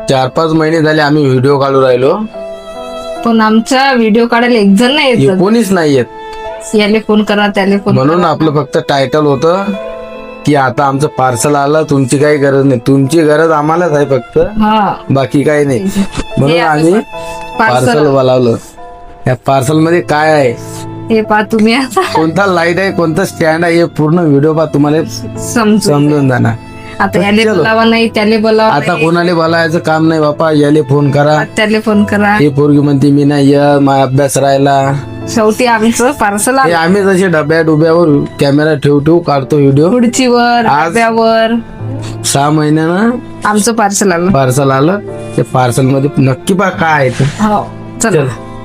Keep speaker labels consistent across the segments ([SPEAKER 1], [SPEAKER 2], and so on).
[SPEAKER 1] 4-5 महिने झाले आम्ही व्हिडिओ काढू राहिलो,
[SPEAKER 2] पण आमचा व्हिडिओ काढायला एक जण नाही येत.
[SPEAKER 1] कोणीच नाही येत.
[SPEAKER 2] याले फोन करा त्याले फोन
[SPEAKER 1] म्हणून आपलं फक्त टायटल होतं की आता आमचं पार्सल आलं, तुमची काही गरज नाही. तुमची गरज आम्हालाच आहे फक्त,
[SPEAKER 2] हा
[SPEAKER 1] बाकी काही नाही. म्हणून आम्ही पार्सल बोलावलं. या पार्सल मध्ये काय आहे
[SPEAKER 2] हे पा तुम्ही आता
[SPEAKER 1] कोणता लाईट आहे, कोणता स्टँड आहे, हे पूर्ण व्हिडिओ पा तुम्हाला
[SPEAKER 2] समजू.
[SPEAKER 1] समजून जाणार.
[SPEAKER 2] आता याले बोलावा नाही त्याले बोलावा
[SPEAKER 1] आता कोणाला बोलायचं काम नाही बापा, याले फोन करा,
[SPEAKER 2] त्याले फोन करा.
[SPEAKER 1] हे पोरगी म्हणते मी नाही माझा अभ्यास राहिला.
[SPEAKER 2] शेवटी आमचं पार्सल
[SPEAKER 1] हे आम्ही जसे डब्या डुब्यावर कॅमेरा ठेवू काढतो व्हिडिओ.
[SPEAKER 2] खुर्चीवर
[SPEAKER 1] आज-
[SPEAKER 2] डब्यावर
[SPEAKER 1] 6 महिन्यानं
[SPEAKER 2] आमचं पार्सल आलं.
[SPEAKER 1] पार्सल आलं. ते पार्सल मध्ये नक्की पा काय आहे ते.
[SPEAKER 2] हो चला.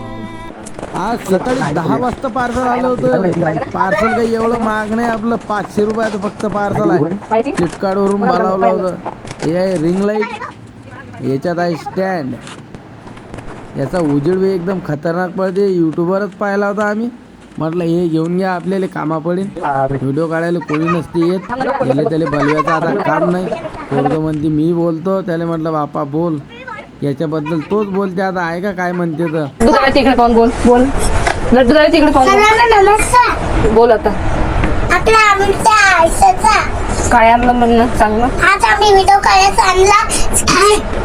[SPEAKER 1] आज सकाळी 10 वाजता पार्सल आलं होतं. पार्सल काही एवढं महाग नाही, आपलं 500 रुपयाचं फक्त पार्सल आहे. फ्लिपकार्ट वरून बोलावलं होतं. हे आहे रिंग लाईट, याच्यात आहे स्टँड. याचा उजेड बी एकदम खतरनाक पडते. युट्यूबवरच पाहिला होता आम्ही, म्हटलं हे घेऊन घ्या, आपल्याला कामा पडेल. व्हिडिओ काढायला कोणी नसते येत, याला त्याला बोलवायचं आता काम नाही. पोरगं म्हणते मी बोलतो, त्याला म्हटलं बापा बोल, याच्याबद्दल तोच बोलते. आता आहे का काय म्हणते तर.
[SPEAKER 2] तिकडे पाहून बोल बोल. लड्डू जाऊ तिकडे पाहून
[SPEAKER 3] नमस्कार.
[SPEAKER 2] बोल. आता
[SPEAKER 3] आपला आमच्या आयुष्याचा
[SPEAKER 2] काय आणलं म्हणणं सांग ना.
[SPEAKER 3] आज आम्ही व्हिडिओ काढायचा आणला.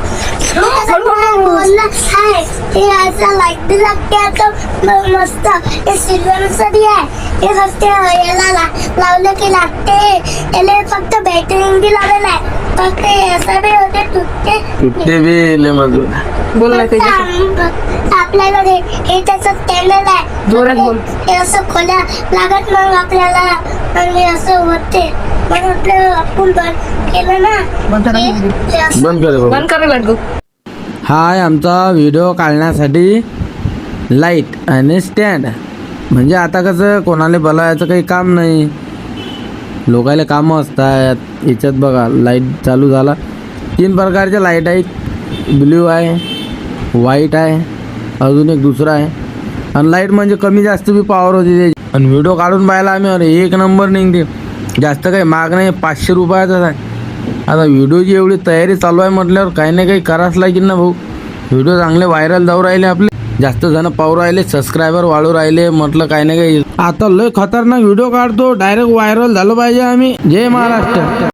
[SPEAKER 3] बोलला हाय हे असं लाईट बी लागते आता मस्त. हे सिल्वर साठी आहे, हे फक्त याला लावलं की लागते. याला फक्त बॅटरी बी लावलेलं आहे, फक्त असं बी होते तुटते
[SPEAKER 1] बी लय मजबूत.
[SPEAKER 2] बोल ना त्याच्या
[SPEAKER 3] आपल्याला हे त्याचं स्टँडर्ड आहे.
[SPEAKER 2] जोरात बोल.
[SPEAKER 3] हे असं खोल्या लागत मग आपल्याला, आणि असं होते म्हणून आपलं आपण बंद केलं ना.
[SPEAKER 2] बंद करा.
[SPEAKER 3] हे असं
[SPEAKER 1] बंद कर बाबा.
[SPEAKER 2] बंद कर लड्डू.
[SPEAKER 1] हा आहे आमचा व्हिडिओ काढण्यासाठी लाईट आणि स्टँड. म्हणजे आता कसं कोणाला बोलायचं काही काम नाही, लोकायला कामं असतात. याच्यात बघा लाईट चालू झाला. 3 प्रकारच्या लाईट आहेत, ब्ल्यू आहे, व्हाईट आहे, अजून एक दुसरा आहे. आणि लाईट म्हणजे कमी जास्त बी पॉवर होती त्याची. आणि व्हिडिओ काढून पाहिला आम्ही, अरे 1 नंबर निघते. जास्त काही महाग नाही, 500 रुपयाचाच आहे. आता व्हिडिओची एवढी तयारी चालू आहे म्हटल्यावर काही ना काही करावंच लागेल ना भाऊ. व्हिडिओ चांगले व्हायरल जाऊ राहिले आपले, जास्त जण पाहू राहिले, सबस्क्रायबर वाढू राहिले. म्हटलं काही ना काही आता लय खतरनाक व्हिडिओ काढतो, डायरेक्ट व्हायरल झालं पाहिजे आम्ही. जय महाराष्ट्र.